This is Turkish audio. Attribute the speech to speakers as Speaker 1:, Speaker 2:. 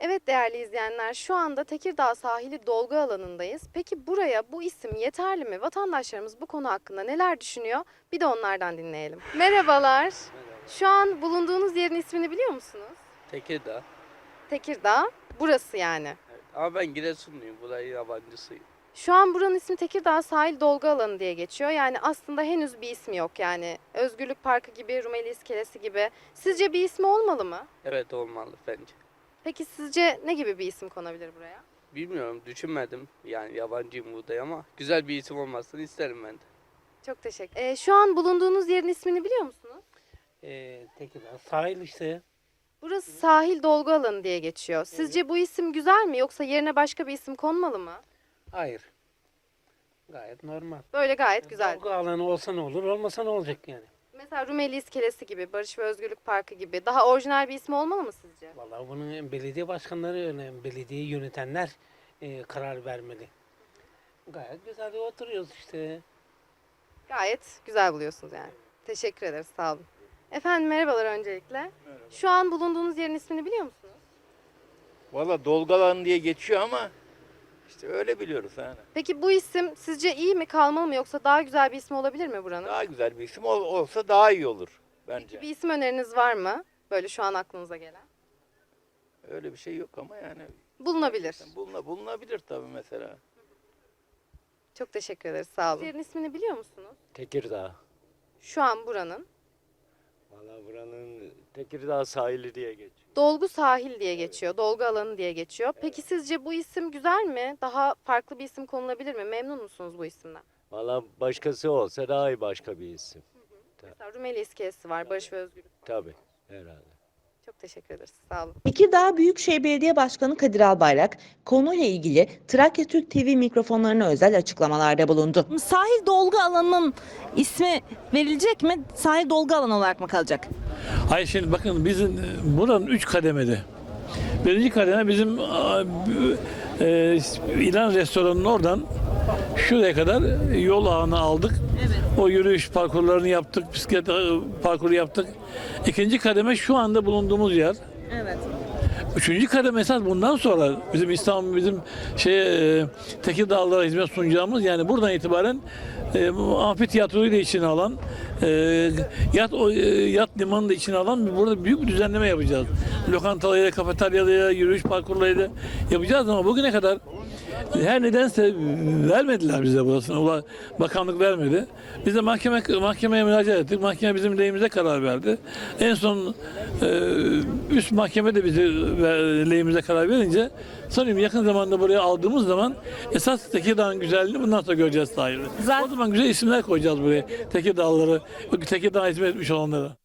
Speaker 1: Evet değerli izleyenler, şu anda Tekirdağ sahili dolgu alanındayız. Peki buraya bu isim yeterli mi? Vatandaşlarımız bu konu hakkında neler düşünüyor? Bir de onlardan dinleyelim. Merhabalar. Şu an bulunduğunuz yerin ismini biliyor musunuz?
Speaker 2: Tekirdağ.
Speaker 1: Tekirdağ. Burası yani.
Speaker 2: Evet. Ama ben Giresunluyum. Burayı yabancısıyım.
Speaker 1: Şu an buranın ismi Tekirdağ Sahil Dolgu Alanı diye geçiyor. Yani aslında henüz bir ismi yok yani. Özgürlük Parkı gibi, Rumeli İskelesi gibi. Sizce bir ismi olmalı mı?
Speaker 2: Evet olmalı bence.
Speaker 1: Peki sizce ne gibi bir isim konabilir buraya?
Speaker 2: Bilmiyorum düşünmedim. Yani yabancıyım burada ama güzel bir isim olmasını isterim ben de.
Speaker 1: Çok teşekkür. Şu an bulunduğunuz yerin ismini biliyor musunuz?
Speaker 3: Tekirdağ sahil işte.
Speaker 1: Burası sahil dolgu alanı diye geçiyor. Sizce bu isim güzel mi yoksa yerine başka bir isim konmalı mı?
Speaker 3: Hayır. Gayet normal.
Speaker 1: Böyle gayet güzel.
Speaker 3: Dolgu alanı olsa ne olur, olmasa ne olacak yani?
Speaker 1: Mesela Rumeli İskelesi gibi, Barış ve Özgürlük Parkı gibi daha orijinal bir ismi olmalı mı sizce?
Speaker 3: Vallahi bunun belediye başkanları önemli, belediyeyi yönetenler karar vermeli. Gayet güzel oturuyoruz işte.
Speaker 1: Gayet güzel buluyorsunuz yani. Teşekkür ederiz, sağ olun. Efendim merhabalar öncelikle. Merhaba. Şu an bulunduğunuz yerin ismini biliyor musunuz?
Speaker 4: Valla Dolgalan diye geçiyor ama işte öyle biliyoruz yani.
Speaker 1: Peki bu isim sizce iyi mi, kalmalı mı yoksa daha güzel bir ismi olabilir mi buranın?
Speaker 4: Daha güzel bir isim olsa daha iyi olur bence.
Speaker 1: Bir isim öneriniz var mı? Böyle şu an aklınıza gelen.
Speaker 4: Öyle bir şey yok ama yani
Speaker 1: Bulunabilir.
Speaker 4: bulunabilir tabii mesela.
Speaker 1: Çok teşekkür ederiz, sağ olun. Yerin ismini biliyor musunuz?
Speaker 5: Tekirdağ.
Speaker 1: Şu an buranın.
Speaker 5: Valla buranın Tekirdağ sahili diye geçiyor.
Speaker 1: Dolgu sahil diye geçiyor, dolgu alanı diye geçiyor. Peki sizce bu isim güzel mi? Daha farklı bir isim konulabilir mi? Memnun musunuz bu isimden?
Speaker 5: Valla başkası olsa daha iyi başka bir isim.
Speaker 1: Mesela Rumeli İskelesi var, Barış ve Özgürlük.
Speaker 5: Tabii herhalde.
Speaker 1: Çok teşekkür ederiz, sağ olun.
Speaker 6: Tekirdağ Büyükşehir Belediye Başkanı Kadir Albayrak konuyla ilgili Trakya Türk TV mikrofonlarına özel açıklamalarda bulundu.
Speaker 7: Sahil dolgu alanının ismi verilecek mi? Sahil dolgu alanı olarak mı kalacak?
Speaker 8: Hayır şimdi bakın bizim buranın 3 kademeli. Birinci kademe bizim İlan restoranının oradan şuraya kadar yol ağını aldık. O yürüyüş parkurlarını yaptık, bisiklet parkuru yaptık. İkinci kademe şu anda bulunduğumuz yer.
Speaker 7: Evet.
Speaker 8: Üçüncü kademe esas bundan sonra bizim İstanbul, bizim Tekirdağlılara hizmet sunacağımız yani buradan itibaren amfitiyatroyu da içine alan, yat limanını da içine alan burada büyük bir düzenleme yapacağız. Lokantalarıyla, kafeteryalarıyla, yürüyüş parkurlarıyla yapacağız ama bugüne kadar her nedense vermediler bize burasını. Bakanlık vermedi. Biz de mahkemeye müracaat ettik. Mahkeme bizim lehimize karar verdi. En son üst mahkeme de bize lehimize karar verince sanıyorum yakın zamanda buraya aldığımız zaman esas Tekirdağ'ın güzelliğini bundan sonra göreceğiz sahilde. O zaman güzel isimler koyacağız buraya. Tekirdağlıları, Tekirdağ'a hizmet etmiş olanlara.